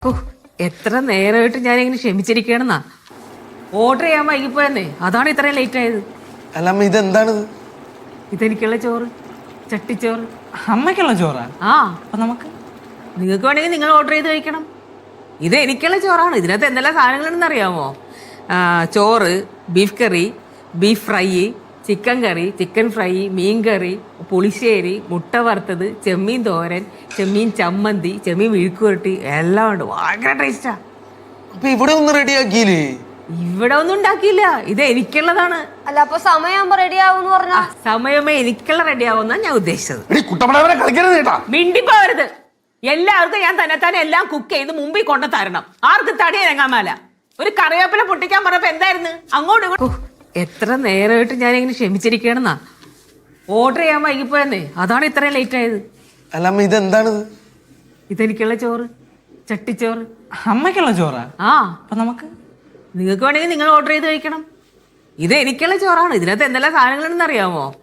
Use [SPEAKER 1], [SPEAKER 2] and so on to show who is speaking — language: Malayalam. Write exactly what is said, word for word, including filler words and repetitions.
[SPEAKER 1] ഓ എത്ര നേരമായിട്ട് ഞാനിങ്ങനെ ക്ഷമിച്ചിരിക്കണെന്നാ. ഓർഡർ ചെയ്യാൻ വൈകിപ്പോയെന്നേ, അതാണ് ഇത്രയും ലേറ്റ് ആയത്.
[SPEAKER 2] അല്ല അമ്മ, ഇതെന്താണിത്?
[SPEAKER 1] ഇതെനിക്കുള്ള ചോറ്, ചട്ടിച്ചോറ്.
[SPEAKER 3] അമ്മയ്ക്കുള്ള ചോറാ?
[SPEAKER 1] ആ,
[SPEAKER 3] അപ്പൊ നമുക്ക്
[SPEAKER 1] നിങ്ങൾക്ക് വേണമെങ്കിൽ നിങ്ങൾ ഓർഡർ ചെയ്ത് കഴിക്കണം. ഇത് എനിക്കുള്ള ചോറാണ്. ഇതിനകത്ത് എന്തെല്ലാം സാധനങ്ങളുണ്ടെന്ന് അറിയാമോ? ചോറ്, ബീഫ് കറി, ബീഫ് ഫ്രൈ, ചിക്കൻ കറി, ചിക്കൻ ഫ്രൈ, മീൻ കറി, പുളിശ്ശേരി, മുട്ട വറുത്തത്, ചെമ്മീൻ തോരൻ, ചെമ്മീൻ ചമ്മന്തി, ചെമ്മീൻ വിഴുക്കുവരട്ടി, എല്ലാം ഉണ്ട്. ഭയങ്കര ടേസ്റ്റാ.
[SPEAKER 2] അപ്പൊ ഇവിടെ ഒന്ന് റെഡിയാക്കിയില്ലേ?
[SPEAKER 1] ഇവിടെ ഒന്നും ഉണ്ടാക്കിയില്ല, ഇത് എനിക്കുള്ളതാണ്.
[SPEAKER 4] അല്ല അപ്പൊ സമയമാകുമ്പോ റെഡി ആവും പറഞ്ഞ
[SPEAKER 1] സമയമേ എനിക്കുള്ള റെഡി ആവുന്ന ഞാൻ ഉദ്ദേശിച്ചത്.
[SPEAKER 2] കളിക്കരുത്.
[SPEAKER 1] മിണ്ടിപ്പോവരുത്. എല്ലാവർക്കും ഞാൻ തന്നെ തന്നെ എല്ലാം കുക്ക് ചെയ്ത് മുമ്പിൽ കൊണ്ടു തരണം. ആർക്ക് തടിയിറങ്ങാമല. ഒരു കറിവേപ്പില പൊട്ടിക്കാൻ പറഞ്ഞപ്പോ എന്തായിരുന്നു അങ്ങോട്ട് ഇങ്ങോട്ട്. എത്ര നേരമായിട്ട് ഞാനിങ്ങനെ ക്ഷമിച്ചിരിക്കണെന്നാ. ഓർഡർ ചെയ്യാൻ വൈകിപ്പോയെന്നേ, അതാണ് ഇത്രയും ലേറ്റ് ആയത്.
[SPEAKER 2] അല്ല അമ്മ, ഇതെന്താണിത്?
[SPEAKER 1] ഇതെനിക്കുള്ള ചോറ്, ചട്ടിച്ചോറ്.
[SPEAKER 3] അമ്മയ്ക്കുള്ള ചോറാ?
[SPEAKER 1] ആ,
[SPEAKER 3] അപ്പൊ നമുക്ക്
[SPEAKER 1] നിങ്ങൾക്ക് വേണമെങ്കിൽ നിങ്ങൾ ഓർഡർ ചെയ്ത് കഴിക്കണം. ഇത് എനിക്കുള്ള ചോറാണ്. ഇതിനകത്ത് എന്തെല്ലാം സാധനങ്ങളുണ്ടെന്ന് അറിയാമോ?